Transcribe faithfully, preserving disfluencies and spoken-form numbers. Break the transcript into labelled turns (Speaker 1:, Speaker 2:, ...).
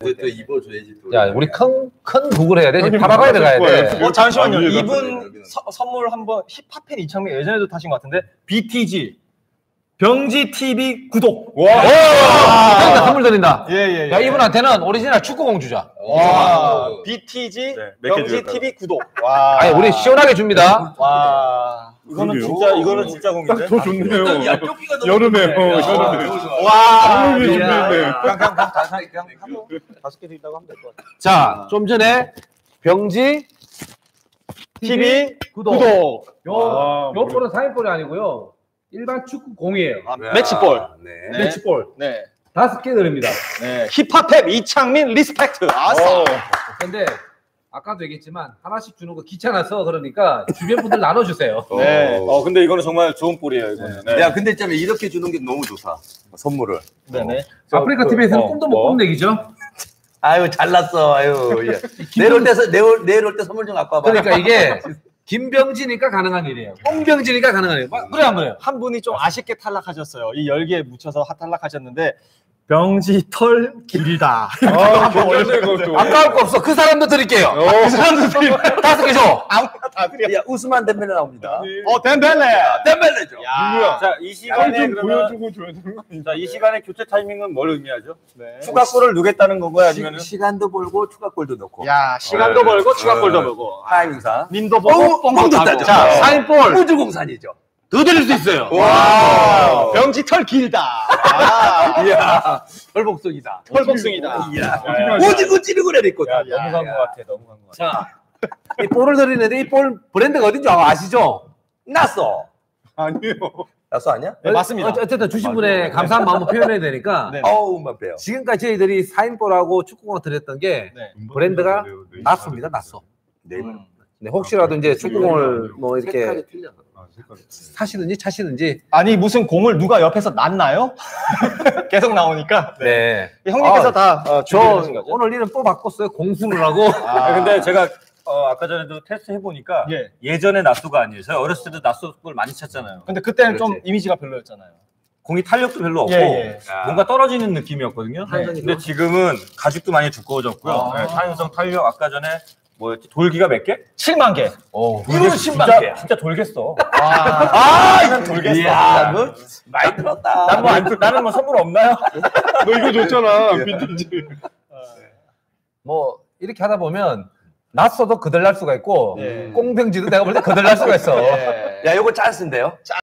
Speaker 1: 또 입어줘야지. 또.
Speaker 2: 야, 우리 큰, 큰 구글 해야 돼. 지금 파라과이 들어가야 돼.
Speaker 3: 어, 잠시만요.
Speaker 1: 아,
Speaker 3: 이분 서, 선물 한번 힙합팬 이창민 예전에도 타신 것 같은데 비티지 병지 티비 구독.
Speaker 2: 와! 와! 선물 드린다.
Speaker 3: 예, 예, 예.
Speaker 2: 야, 이분한테는 오리지널 축구공 주자.
Speaker 3: 와, 비티지
Speaker 4: 네,
Speaker 3: 병지 티비 구독. 와.
Speaker 2: 아니, 우리 시원하게 줍니다.
Speaker 3: 와. 이거는
Speaker 4: 그러게요.
Speaker 3: 진짜 이거는 진짜 공인데.
Speaker 4: 더 좋네요.
Speaker 1: 야, 뼈기가 너무
Speaker 4: 여름에,
Speaker 1: 좋네.
Speaker 4: 어,
Speaker 1: 야,
Speaker 4: 여름에.
Speaker 3: 와.
Speaker 4: 여름에
Speaker 3: 야.
Speaker 4: 좋네.
Speaker 3: 그냥 그냥 그냥 다 그냥 한번 다섯 개 드린다고 하면 될 것 같아.
Speaker 2: 자, 좀 전에 병지
Speaker 3: 티비
Speaker 2: 구독.
Speaker 3: 구독.
Speaker 2: 요,
Speaker 4: 아,
Speaker 2: 요 볼은 사인볼이 아니고요. 일반 축구 공이에요.
Speaker 1: 네.
Speaker 3: 매치볼.
Speaker 1: 네.
Speaker 3: 네.
Speaker 2: 매치볼.
Speaker 3: 네.
Speaker 2: 다섯 개 드립니다.
Speaker 3: 네. 힙합랩 이창민 리스펙트. 아싸.
Speaker 2: 근데 아까도 얘기했지만 하나씩 주는 거 귀찮아서 그러니까 주변 분들 나눠주세요.
Speaker 3: 네.
Speaker 1: 어.
Speaker 3: 어 근데 이거는 정말 좋은 볼이에요, 이거는. 네.
Speaker 1: 야, 근데 있잖아, 이렇게 주는 게 너무 좋다. 선물을.
Speaker 3: 네네.
Speaker 2: 아프리카 티비에서는
Speaker 3: 어,
Speaker 2: 꿈도 못
Speaker 3: 뭐?
Speaker 2: 꾸는 얘기죠.
Speaker 1: 아유, 잘났어. 아유. 야. 내일 올 때, 내일, 내일 올 때 선물 좀 갖고 와봐.
Speaker 2: 그러니까 이게 김병지니까 가능한 일이에요. 꽁병지니까 가능한 일. 그래 안 그래요?
Speaker 3: 한 분이 좀 아쉽게 탈락하셨어요. 이 열기에 묻혀서 탈락하셨는데 병지 털 길다.
Speaker 4: 아, 괜찮네, 그것도.
Speaker 2: 아까울 거 없어. 그 사람도 드릴게요. 그 사람도 드릴게요. 다섯 개 줘.
Speaker 3: 아무나 다 드려.
Speaker 1: 야, 우스만 덴벨레 나옵니다.
Speaker 3: 어 덴벨레.
Speaker 1: 덴벨레죠.
Speaker 3: 야.
Speaker 4: 자,
Speaker 3: 이
Speaker 4: 좀 보여주고 줘야 되는 거 아니야?
Speaker 3: 자, 이 시간의 교체 타이밍은 뭘 의미하죠? 네. 추가골을 누겠다는 건가요, 아니면은?
Speaker 1: 시, 시간도 벌고 추가골도 넣고.
Speaker 3: 야, 시간도
Speaker 4: 네.
Speaker 3: 벌고 추가골도
Speaker 1: 네.
Speaker 3: 벌고.
Speaker 1: 타이밍상.
Speaker 3: 민도 보고
Speaker 1: 어,
Speaker 3: 뽕도
Speaker 1: 뽕도
Speaker 3: 따고.
Speaker 1: 따죠.
Speaker 3: 자,
Speaker 2: 자, 사인볼
Speaker 1: 우주공산이죠.
Speaker 2: 더 드릴 수 있어요.
Speaker 3: 와. 병지 털 길다. 아.
Speaker 1: 이야, 털복숭이다.
Speaker 3: 털복숭이다.
Speaker 1: 이야,
Speaker 4: 야,
Speaker 1: 오지구 찌르고래 있거든.
Speaker 3: 야, 너무 간 것 같아. 너무 간 것 같아.
Speaker 2: 자, 이 볼을 드리는데 이 볼 브랜드가 어딘지 아시죠?
Speaker 1: 났어.
Speaker 4: 아니에요.
Speaker 1: 났어 아니야?
Speaker 3: 네, 맞습니다.
Speaker 2: 어, 어쨌든 주신 분의 감사한 마음을 표현해야 되니까
Speaker 3: 네.
Speaker 1: 어우, 맛배요.
Speaker 2: 지금까지 저희들이 사인볼하고 축구공 드렸던 게
Speaker 3: 네.
Speaker 2: 브랜드가 났습니다. 났어.
Speaker 1: 네.
Speaker 3: 음.
Speaker 2: 네, 혹시라도 이제 축구공을 뭐 이렇게
Speaker 1: 색깔이 틀려.
Speaker 4: 아, 색깔이.
Speaker 2: 사시든지 차시든지.
Speaker 3: 아니 무슨 공을 누가 옆에서 놨나요? 계속 나오니까.
Speaker 2: 네.
Speaker 3: 형님께서
Speaker 2: 아,
Speaker 3: 다 어,
Speaker 2: 저
Speaker 3: 준비하신 거죠?
Speaker 2: 오늘 이름 또 바꿨어요. 공수를 하고.
Speaker 3: 아,
Speaker 5: 근데 제가 어, 아까 전에도 테스트 해보니까
Speaker 3: 예.
Speaker 5: 예전의 낫소가 아니에요. 저희 어렸을 때도 낫소를 많이 쳤잖아요.
Speaker 3: 근데 그때는 좀
Speaker 2: 그렇지.
Speaker 3: 이미지가 별로였잖아요.
Speaker 5: 공이 탄력도 별로 없고
Speaker 3: 예, 예.
Speaker 5: 뭔가 떨어지는 느낌이었거든요.
Speaker 3: 네.
Speaker 5: 근데 지금은 가죽도 많이 두꺼워졌고요.
Speaker 3: 아.
Speaker 5: 네, 탄성, 탄력 아까 전에 뭐였지? 돌기가 몇 개?
Speaker 3: 칠만 개.
Speaker 2: 오.
Speaker 5: 이거는
Speaker 2: 신기해.
Speaker 5: 진짜, 진짜 돌겠어.
Speaker 3: 아, 이건 돌겠어.
Speaker 1: 이야, 너 많이 들었다.
Speaker 5: 난 뭐, 안, 나는 뭐 선물 없나요?
Speaker 4: 너 이거 줬잖아, 빈티지.
Speaker 2: 뭐 이렇게 하다 보면 낯서도 그들 날 수가 있고
Speaker 3: 예.
Speaker 2: 꽁병지도 내가 볼 때 그들 날 수가 있어.
Speaker 3: 예.
Speaker 1: 야, 요거 찬스인데요?